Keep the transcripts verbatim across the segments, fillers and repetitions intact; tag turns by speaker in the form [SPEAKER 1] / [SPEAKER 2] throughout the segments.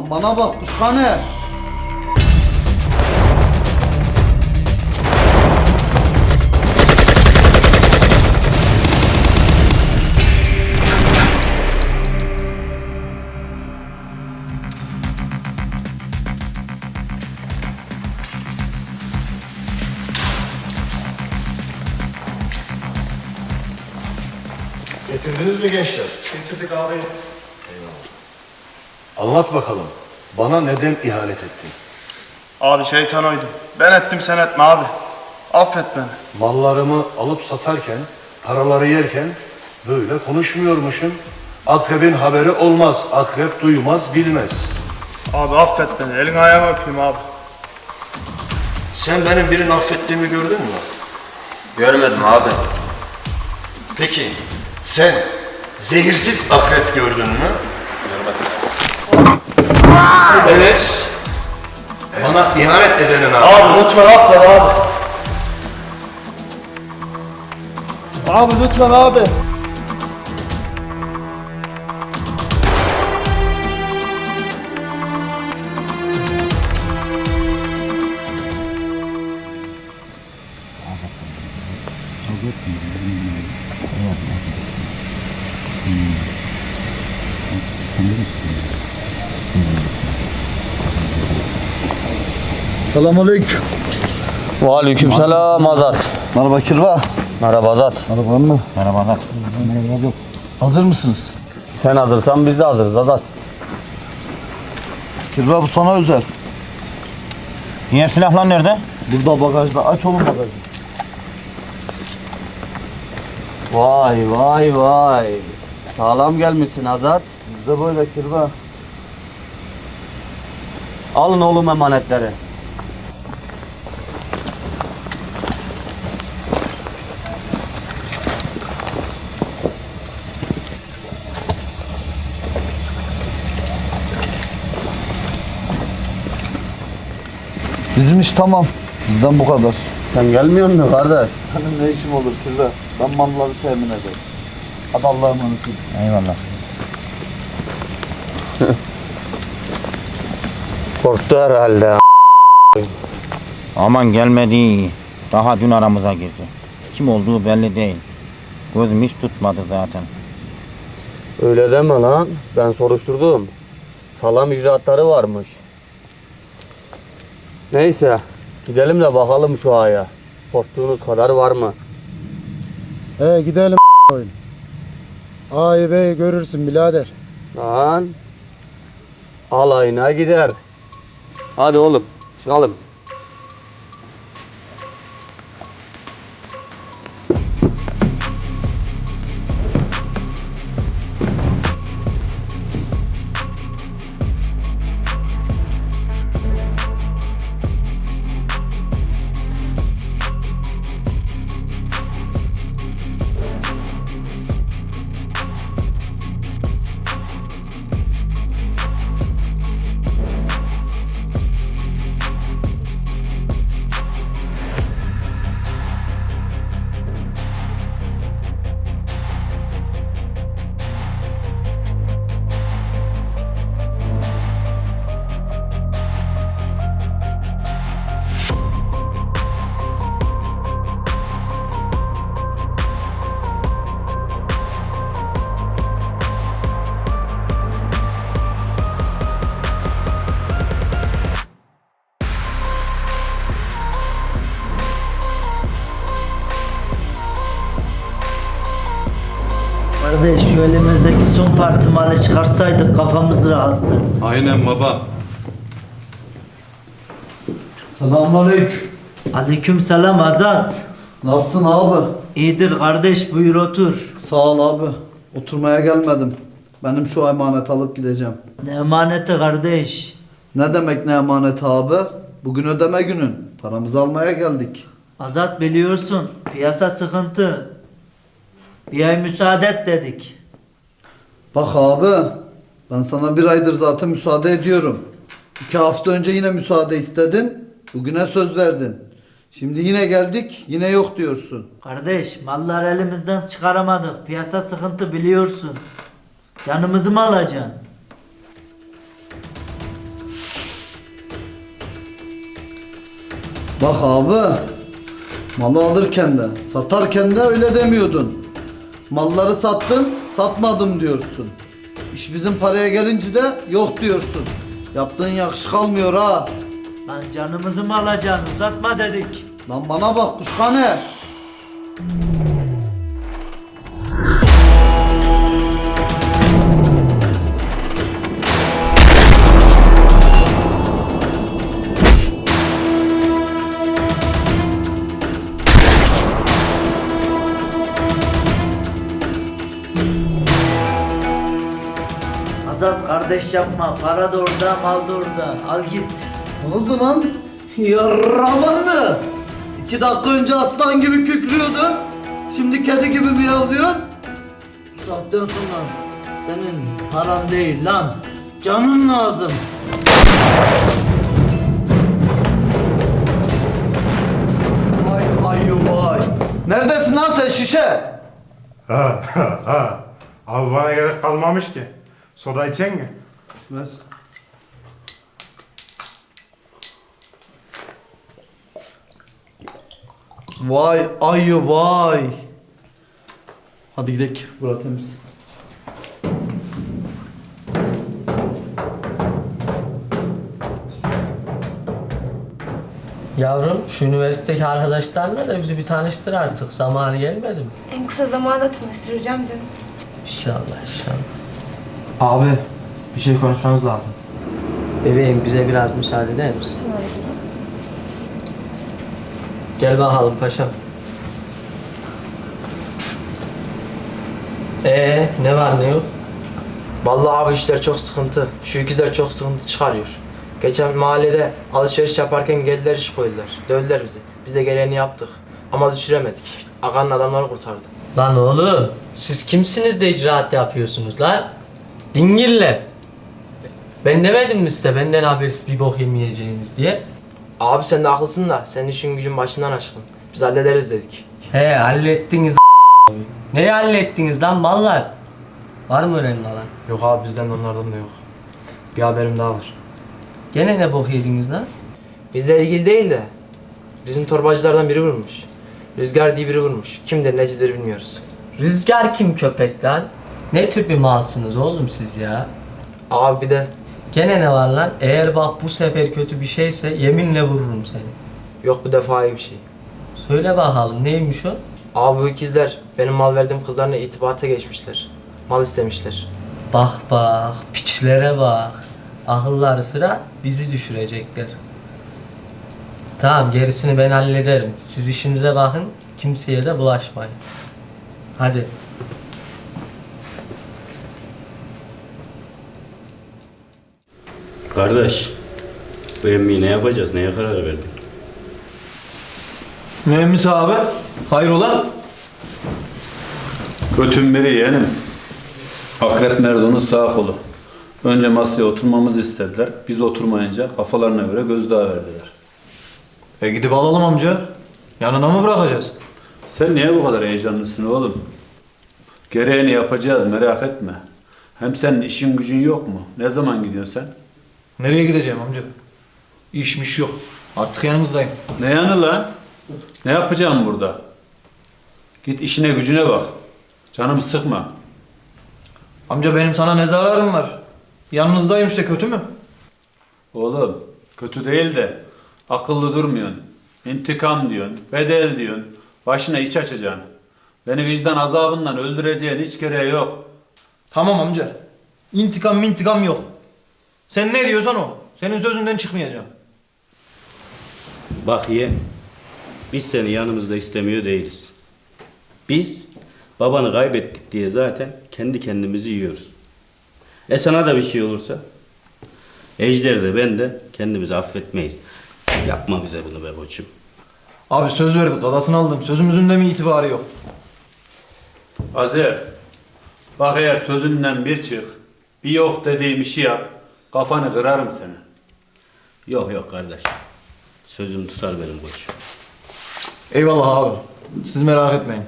[SPEAKER 1] Lan bana bak kuşkane.
[SPEAKER 2] Getirdiniz mi gençler?
[SPEAKER 3] Getirdik abi.
[SPEAKER 2] Anlat bakalım. Bana neden ihanet ettin?
[SPEAKER 3] Abi şeytan oydu. Ben ettim sen etme abi. Affet beni.
[SPEAKER 2] Mallarımı alıp satarken, paraları yerken böyle konuşmuyormuşum. Akrebin haberi olmaz. Akrep duymaz, bilmez.
[SPEAKER 3] Abi affet beni. Elin ayağını öpeyim abi.
[SPEAKER 2] Sen benim birini affettiğimi gördün mü?
[SPEAKER 4] Görmedim abi.
[SPEAKER 2] Peki, sen zehirsiz akrep gördün mü?
[SPEAKER 4] Görmedim.
[SPEAKER 2] Enes, bana ihanet edenin abi.
[SPEAKER 3] Abi lütfen affet abi. Abi lütfen abi.
[SPEAKER 1] Selamünaleyküm.
[SPEAKER 5] Aleykümselam Azat.
[SPEAKER 1] Merhaba Kirva.
[SPEAKER 5] Merhaba Azat.
[SPEAKER 1] Merhaba mı?
[SPEAKER 5] Merhaba Azat.
[SPEAKER 1] Hazır mısınız?
[SPEAKER 5] Sen hazırsan biz de hazırız Azat.
[SPEAKER 1] Kirva bu sana özel.
[SPEAKER 5] Diğer silahlar nerede?
[SPEAKER 1] Burada bagajda. Aç oğlum bagajı.
[SPEAKER 5] Vay vay vay. Sağlam gelmişsin Azat.
[SPEAKER 1] Bizde böyle Kirva.
[SPEAKER 5] Alın oğlum emanetleri.
[SPEAKER 1] Bizim iş tamam. Bizden bu kadar.
[SPEAKER 5] Sen gelmiyor musun kardeş?
[SPEAKER 1] Benim ne işim olur Kirva? Ben malları temin ederim. Hadi Allah'a emanet olun.
[SPEAKER 5] Eyvallah. Korktu herhalde.
[SPEAKER 6] Aman gelmedi. Daha dün aramıza girdi. Kim olduğu belli değil. Gözüm hiç tutmadı zaten.
[SPEAKER 5] Öyle deme lan. Ben soruşturdum. Salam icraatları varmış. Neyse. Gidelim de bakalım şu aya. Korktuğunuz kadar var mı?
[SPEAKER 7] He gidelim oyun. A'yı B'yi görürsün birader.
[SPEAKER 5] Lan. Alayına gider. Hadi oğlum çıkalım.
[SPEAKER 8] Kardeş şu elimizdeki son parti malı çıkarsaydık kafamız rahattı.
[SPEAKER 9] Aynen baba.
[SPEAKER 1] Selamünaleyküm.
[SPEAKER 8] Aleyküm selam Azat.
[SPEAKER 1] Nasılsın abi?
[SPEAKER 8] İyidir kardeş buyur otur.
[SPEAKER 1] Sağ ol abi. Oturmaya gelmedim. Benim şu emanet alıp gideceğim.
[SPEAKER 8] Ne emaneti kardeş.
[SPEAKER 1] Ne demek ne emanet abi? Bugün ödeme günün. Paramızı almaya geldik.
[SPEAKER 8] Azat biliyorsun piyasa sıkıntı. Bir ay müsaade et dedik.
[SPEAKER 1] Bak abi, ben sana bir aydır zaten müsaade ediyorum. İki hafta önce yine müsaade istedin. Bugüne söz verdin. Şimdi yine geldik, yine yok diyorsun.
[SPEAKER 8] Kardeş mallar elimizden çıkaramadık. Piyasa sıkıntı biliyorsun. Canımızı mı alacaksın?
[SPEAKER 1] Bak abi, malı alırken de satarken de öyle demiyordun. Malları sattın, satmadım diyorsun. İş bizim paraya gelince de yok diyorsun. Yaptığın yakışık almıyor ha.
[SPEAKER 8] Lan canımızı mı alacaksın? Uzatma dedik.
[SPEAKER 1] Lan bana bak kuşkane.
[SPEAKER 8] Azat kardeş yapma. Para da orada, mal da orada. Al git.
[SPEAKER 1] Ne oldu lan? Yarramanı. İki dakika önce aslan gibi kükrüyordun. Şimdi kedi gibi miyavlıyorsun. Bu saatten sonra senin paran değil lan. Canın lazım. Vay ayı vay. Neredesin lan sen şişe?
[SPEAKER 9] Ha ha ha. Abi bana gerek kalmamış ki. Soda içecek mi?
[SPEAKER 1] Ver. Vay ayı vay. Hadi gidelim. Burası temiz.
[SPEAKER 5] Yavrum şu üniversitedeki arkadaşlarla da bizi bir tanıştır artık. Zamanı gelmedi mi?
[SPEAKER 10] En kısa zamanda tanıştıracağım canım.
[SPEAKER 5] İnşallah inşallah.
[SPEAKER 11] Abi bir şey konuşmamız lazım.
[SPEAKER 5] Bebeğim bize biraz müsaade eder misin? Gel bakalım paşam. Ee ne var ne yok?
[SPEAKER 11] Vallahi abi işler çok sıkıntı. Şu ikizler çok sıkıntı çıkarıyor. Geçen mahallede alışveriş yaparken geldiler iş koydular. Dövdüler bizi. Biz de gereğini yaptık. Ama düşüremedik. Aga'nın adamları kurtardı.
[SPEAKER 5] Lan oğlum siz kimsiniz de icraat yapıyorsunuz lan? Dingiller. Ben demedim mi size benden habersiz bir bok yemeyeceğiniz diye?
[SPEAKER 11] Abi sen de haklısın da senin işin gücün başından aşkın. Biz hallederiz dedik.
[SPEAKER 5] He hallettiniz Neyi hallettiniz lan mallar? Var mı önemli lan?
[SPEAKER 11] Yok abi bizden de onlardan da yok. Bir haberim daha var.
[SPEAKER 5] Gene ne bok yediniz lan?
[SPEAKER 11] Bizle ilgili değil de bizim torbacılardan biri vurmuş. Rüzgar diye biri vurmuş. Kimdir necidir bilmiyoruz.
[SPEAKER 5] Rüzgar kim köpek lan? Ne tür bir malsınız oğlum siz ya?
[SPEAKER 11] Abi bir de
[SPEAKER 5] Gene ne var lan? Eğer bak bu sefer kötü bir şeyse yeminle vururum seni.
[SPEAKER 11] yok bu defa iyi bir şey.
[SPEAKER 5] Söyle bakalım neymiş o?
[SPEAKER 11] Abi bu ikizler benim mal verdiğim kızlarla itibata geçmişler. Mal istemişler.
[SPEAKER 5] Bak bak piçlere bak. Akılları sıra bizi düşürecekler. Tamam gerisini ben hallederim. Siz işinize bakın, kimseye de bulaşmayın. Hadi.
[SPEAKER 12] Kardeş, bu emmiyi ne yapacağız, neye karar verdin?
[SPEAKER 11] Mühendis abi, hayrola?
[SPEAKER 12] Götün biri yeğenim. Akrep Merdo'nun sağ kolu. Önce masaya oturmamızı istediler. Biz oturmayınca kafalarına göre gözdağı verdiler.
[SPEAKER 11] E gidip alalım amca. Yanına mı bırakacağız?
[SPEAKER 12] Sen niye bu kadar heyecanlısın oğlum? Gereğini yapacağız, merak etme. Hem senin işin gücün yok mu? Ne zaman gidiyorsun sen?
[SPEAKER 11] Nereye gideceğim amca? İşmiş yok. Artık yanımızdayım.
[SPEAKER 12] Ne yanı lan? Ne yapacağım burada? Git işine gücüne bak. Canımı sıkma.
[SPEAKER 11] Amca benim sana ne zararım var? Yanınızdayım işte, kötü mü?
[SPEAKER 12] Oğlum kötü değil de akıllı durmuyorsun. İntikam diyorsun, bedel diyorsun. Başına iç açacaksın. Beni vicdan azabından öldüreceğin hiç gereği yok.
[SPEAKER 11] Tamam amca. İntikam intikam yok. Sen ne diyorsan o. Senin sözünden çıkmayacağım.
[SPEAKER 12] Bak ye, biz seni yanımızda istemiyor değiliz. Biz babanı kaybettik diye zaten kendi kendimizi yiyoruz. E sana da bir şey olursa? Ejder de ben de kendimizi affetmeyiz. Yapma bize bunu be koçum.
[SPEAKER 11] Abi söz verdik, adasını aldım. Sözümüzün de mi itibarı yok?
[SPEAKER 12] Azer, bak eğer sözünden bir çık, bir yok dediğim işi yap, kafanı kırarım seni. Yok yok kardeş, sözüm tutar benim koçum.
[SPEAKER 11] Eyvallah abi. Siz merak etmeyin.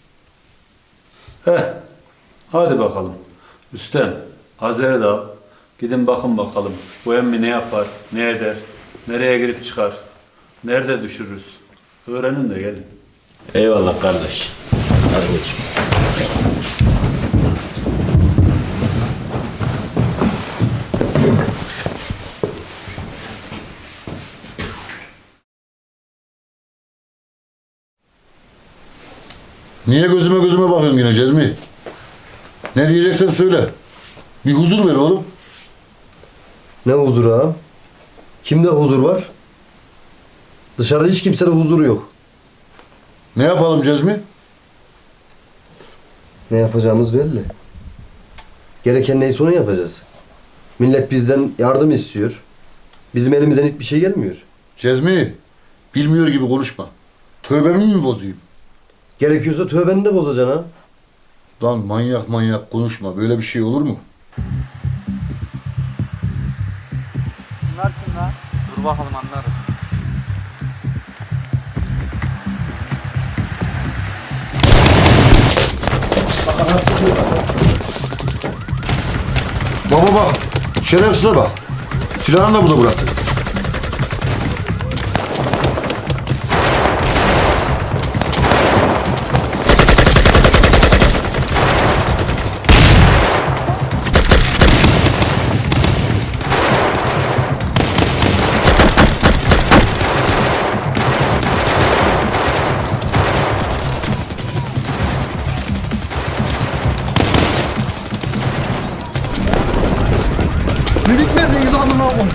[SPEAKER 12] Heh, hadi bakalım. Üstem, Azer'i de al. Gidin bakın bakalım. Bu emmi ne yapar, ne eder, nereye girip çıkar.
[SPEAKER 13] Nerede düşürürüz? Öğrenin de gelin.
[SPEAKER 12] Eyvallah kardeş. Hadi geç.
[SPEAKER 14] Niye gözüme gözüme bakıyorsun yine Cezmi? Ne diyeceksen söyle. Bir huzur ver oğlum.
[SPEAKER 15] Ne huzuru ağam? Kimde huzur var? Dışarıda hiç kimsede huzur yok.
[SPEAKER 14] Ne yapalım Cezmi?
[SPEAKER 15] Ne yapacağımız belli. Gereken neyse onu yapacağız. Millet bizden yardım istiyor. Bizim elimizden hiçbir şey gelmiyor.
[SPEAKER 14] Cezmi, bilmiyor gibi konuşma. Tövbemi mi bozayım?
[SPEAKER 15] Gerekiyorsa tövbeni de bozacaksın ha.
[SPEAKER 14] Lan manyak manyak konuşma. Böyle bir şey olur mu?
[SPEAKER 13] Bunlar kim lan? Dur bakalım anlarız.
[SPEAKER 14] Baba bak. Şerefsize bak. Silahını da burada bıraktı.
[SPEAKER 1] Minik neredeyiz amına koyayım?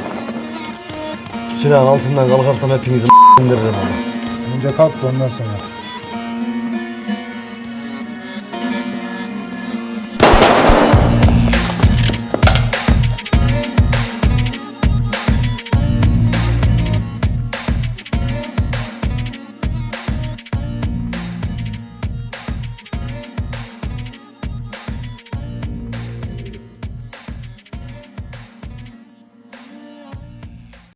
[SPEAKER 15] Silahın altından kalkarsam hepinizi indiririm ama.
[SPEAKER 7] Önce kalk da ondan sonra.